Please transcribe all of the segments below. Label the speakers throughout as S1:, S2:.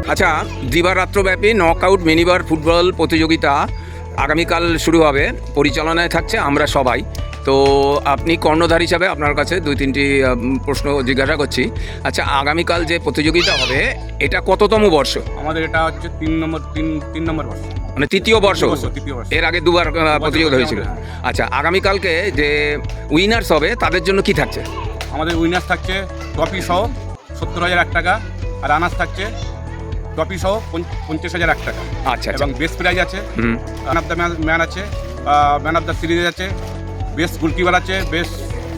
S1: আচ্ছা, দিবারাত্রব্যাপী knockout minibar football প্রতিযোগিতা আগামীকাল শুরু হবে। পরিচালনায় থাকছে আমরা সবাই। তো আপনি কর্ণধার হিসাবে আপনার কাছে দুই তিনটি প্রশ্ন জিজ্ঞাসা করছি। আচ্ছা, আগামীকাল যে প্রতিযোগিতা হবে এটা কততম বর্ষ?
S2: আমাদের এটা হচ্ছে তিন নম্বর বর্ষ,
S1: মানে তৃতীয় বর্ষ।
S2: তৃতীয় বর্ষ।
S1: এর আগে দুবার প্রতিযোগিতা হয়েছিল। আচ্ছা, আগামীকালকে যে উইনার্স হবে তাদের জন্য কি থাকছে?
S2: আমাদের উইনার্স থাকছে ট্রফি সহ 70,001 টাকা, আর রানার্স থাকছে ট্রফি সহ 50,001 টাকা।
S1: আচ্ছা,
S2: এবং বেস্ট প্রাইজ আছে, ম্যান অফ দ্য ম্যান আছে, ম্যান অফ দ্য সিরিজ আছে, বেস্ট গোলকিপার আছে, বেস্ট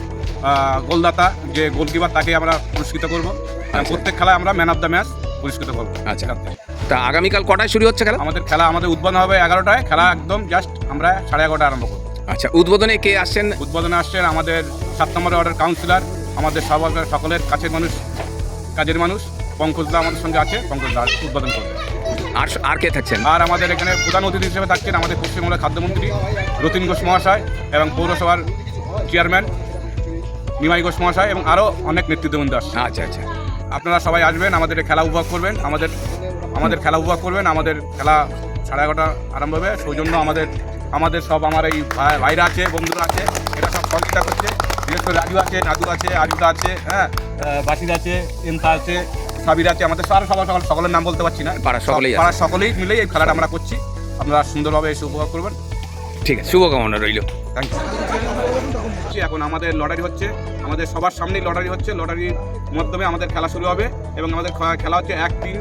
S2: গোলদাতা যে গোলকিপার তাকে আমরা পুরস্কৃত করব। প্রত্যেক খেলায় আমরা ম্যান অফ দ্য ম্যাচ পুরস্কৃত করবো।
S1: আচ্ছা, তা আগামীকাল কটায় শুরু হচ্ছে খেলা?
S2: আমাদের উদ্বোধন হবে 11টায়। খেলা একদম জাস্ট আমরা 11:30 আরম্ভ করবো।
S1: আচ্ছা, উদ্বোধনে কে আসছেন?
S2: উদ্বোধনে আসছেন আমাদের 7 নম্বর ওয়ার্ডের কাউন্সিলর, আমাদের সকলের কাছের মানুষ, কাজের মানুষ পঙ্কজদা আমাদের সঙ্গে আছে। পঙ্কজদা উদ্বোধন করবে।
S1: আর কে থাকছেন?
S2: আর আমাদের এখানে প্রধান অতিথি হিসেবে থাকছেন আমাদের পশ্চিমবঙ্গের খাদ্যমন্ত্রী রতিন ঘোষ মহাশয়, এবং পৌরসভার চেয়ারম্যান নিমাই ঘোষ মহাশয়, এবং আরও অনেক নেতৃত্ববৃন্দ আসছে।
S1: আচ্ছা আচ্ছা,
S2: আপনারা সবাই আসবেন, আমাদের খেলা উপভোগ করবেন। আমাদের খেলা উপভোগ করবেন। আমাদের খেলা 11:30 আরম্ভ হবে। সৌজন্য আমাদের সব আমার এই ভাইরা আছে, বন্ধুরা আছে, এটা সব সহযোগিতা করছে। বিশেষ করে রাজু আছে, নাদু আছে, আরিফা আছে, হ্যাঁ, বাসির আছে, এমতা আছে, সাবির আছে। আমাদের সকলের নাম বলতে পারছি না, পাড়ার সকলেই মিলেই এই খেলাটা আমরা করছি। আপনারা সুন্দরভাবে এসে উপভোগ করবেন।
S1: ঠিক আছে, শুভকামনা রইল।
S2: Thank you. এখন আমাদের লটারি হচ্ছে, আমাদের সবার সামনেই লটারি হচ্ছে। লটারির মাধ্যমে আমাদের খেলা শুরু হবে, এবং আমাদের খেলা হচ্ছে 1, 3,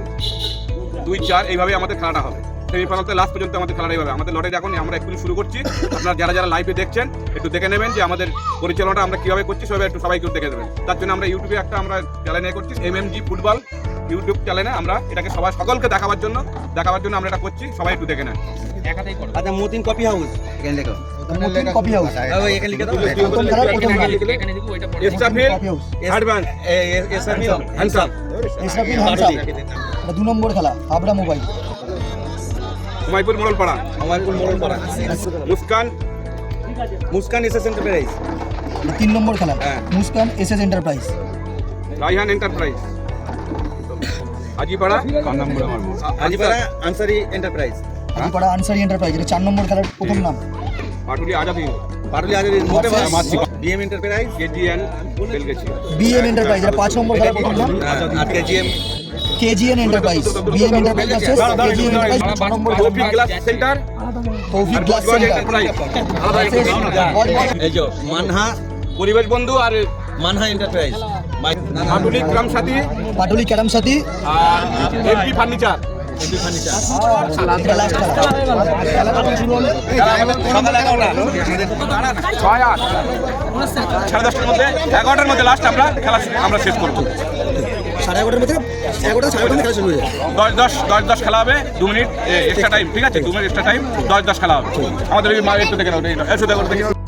S2: 2, 4 এইভাবে আমাদের খেলাটা হবে। সেমিফাইনাল থেকে লাস্ট পর্যন্ত আমাদের খেলাটাই হবে। আমাদের লটারি এখন আমরা একটু শুরু করছি। আপনারা যারা লাইভে দেখছেন একটু দেখে নেবেন যে আমাদের পরিচালনাটা আমরা কীভাবে করছি, সবাই একটু সবাইকে দেখে দেবেন। তার জন্য আমরা ইউটিউবে আমরা চ্যানেল করছি, MMG ফুটবল ইউটিউব চ্যানেলে। আমরা এটাকে সকলকে দেখাবার জন্য আমরা এটা করছি। সবাই একটু দেখে নেন।
S3: আচ্ছা, মতিন কফি হাউস এখানে লেখো।
S4: মতিন কফি হাউস
S3: এখানে লিখে দাও।
S4: প্রথম খেলার প্রথম নাম
S2: Esrafil
S4: coffee house,
S2: advance
S3: Esrafil
S2: handsome.
S4: Esrafil Hamsa. এটা 2 নম্বর খেলা, Habra mobile.
S2: Humaipur Morolpara,
S3: Amarpur Morolpara. Muskan SS enterprise.
S4: 3 number খেলা,
S3: হ্যাঁ।
S4: Muskan SS enterprise.
S2: Raihan enterprise. Ajipara
S3: Ajipara Ansari enterprise.
S4: Ajipara Ansari enterprise. এটা 4 নম্বর খেলার প্রথম নাম।
S2: Patuli Azadi,
S3: Paruli Azari BM enterprise.
S2: KGN Belgachhi.
S4: BM enterprise. এটা 5 নম্বর খেলার প্রথম নাম।
S3: আর KGM
S4: KGN enterprise. BM enterprise আছে, কেজিএন এন্টারপ্রাইজ 6 নম্বর খেলার
S2: Toufiq glass centre,
S4: Toufiq glass
S2: Budge Budge
S4: centre.
S2: Enterprise.
S3: এই যে মানহা
S2: পরিবেশ বন্ধু আর
S3: Manha enterprise.
S2: Patuli carrom Sathi
S4: Patuli carrom Sathi.
S2: আর এমপি ফার্নিচার।
S4: এটা লাস্ট খেলা। খেলাটা শুরু হলো
S3: সকাল 11টা।
S2: 6, 8, 10:30টার মধ্যে, 11টার মধ্যে লাস্ট খেলা আমরা শেষ করবো।
S4: 11:30 মধ্যে 11টা 11:30 খেলা শুরু হয়ে যাবে।
S2: 10 খেলা হবে। 2 মিনিট এক্সট্রা টাইম, ঠিক আছে? 2 মিনিট এক্সট্রা টাইম, 10 খেলা হবে। আমাদের একটু দেখে নাও,